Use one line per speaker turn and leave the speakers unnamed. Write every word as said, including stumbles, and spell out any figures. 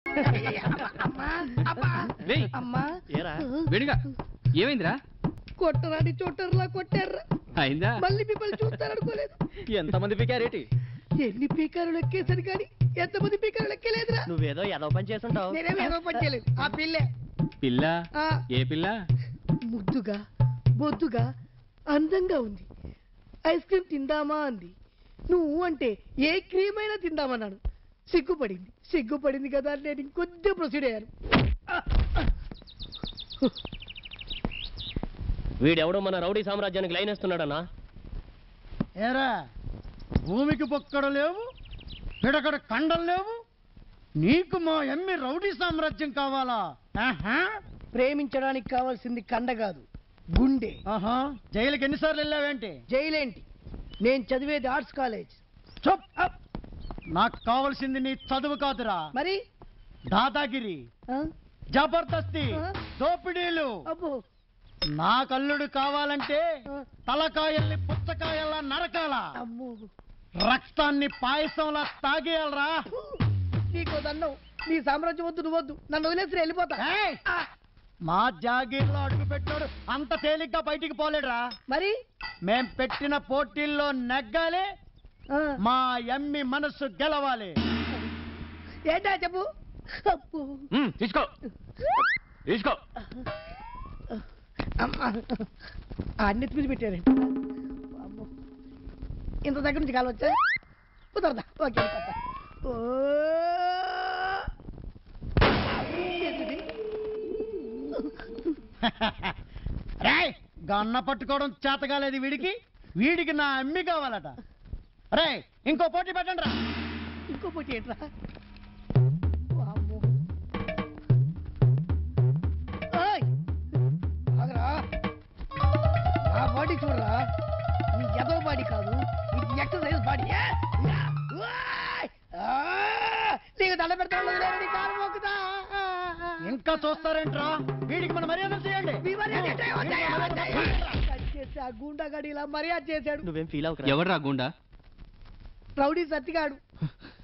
ఏమైందిరా?
కొట్టరాని చోటర్లా కొట్టారా?
అయిందా?
మళ్ళీ మిమ్మల్ని చూస్తారనుకోలేదు.
ఎంతమంది పీకారేటి?
ఎన్ని పీకారు లెక్కేసరి కానీ ఎంతమంది పీకారు లెక్కలేదురా.
నువ్వేదో ఏదో పని చేస్తుంటావు.
నేనేమో ఏదో పని చేయలేదు. ఆ పిల్లే.
పిల్ల? ఏ పిల్ల?
ముద్దుగా బొద్దుగా అందంగా ఉంది. ఐస్ క్రీమ్ తిందామా అంది. నువ్వు అంటే ఏ క్రీమ్ అయినా తిందామన్నాడు. సిగ్గుపడింది. సిగ్గుపడింది కదా నేను ఇంకొద్ది ప్రొసీడ్ అయ్యాను.
వీడెవడో మన రౌడీ సామ్రాజ్యానికి లైన్ వేస్తున్నాడన్నా.
ఏరా భూమికి పొక్కడ లేవు, పిడకడ కండలు లేవు, నీకు మా ఎమ్మి రౌడీ సామ్రాజ్యం కావాలా?
ప్రేమించడానికి కావాల్సింది కండ కాదు, గుండె.
ఆహా, జైలుకి ఎన్నిసార్లు వెళ్ళావేంటి?
జైలేంటి, నేను చదివేది ఆర్ట్స్ కాలేజ్.
చప్. నాకు కావాల్సింది నీ చదువు కాదురా,
మరి
దాదాగిరి, జబర్దస్తి, దోపిడీలు.
అబ్బో,
నా కల్లుడు కావాలంటే తలకాయల్ని పుచ్చకాయల్లా నరకాల, రక్తాన్ని పాయసంలా తాగేయాలరా.
నీకో దండం. నీ సామ్రాజ్యం వద్దు, నువ్వు వద్దు, నన్ను వదిలేసి వెళ్ళిపోతా.
మా జాగీర్లో అడుగు పెట్టాడు అంత తేలిగ్గా బయటికి పోలేడురా.
మరి
మేం పెట్టిన పోటీల్లో నెగ్గాలి, మా ఎమ్మి మనసు గెలవాలి.
ఏంటా చెప్పు.
తీసుకో తీసుకో.
అన్ని మీద పెట్టారండి. ఇంత దగ్గర నుంచి కాలు వచ్చా కుదరదా? ఓకే. ఓ
రేయ్, గన్న పట్టుకోవడం చేతగాలేదు వీడికి. వీడికి నా అమ్మి కావాలట. రే, ఇంకో పోటీ పెట్టండి రా.
ఇంకో పోటీ ఏంట్రా? ఆ బాడీ చూడరా, నీ ఎదో బాడీ కాదు, ఇది ఎక్సర్సైజ్ బాడీ. నీకు దండ పెడతాను.
ఇంకా చూస్తారేంట్రా? వీడికి మన మర్యాద చేయండి.
ఆ గూండాగాడి ఇలా మర్యాద చేశాడు.
నువ్వేం ఫీల్ అవ్వకు.
ఎవడ్రా గుండా?
రౌడీ సత్తిగాడు.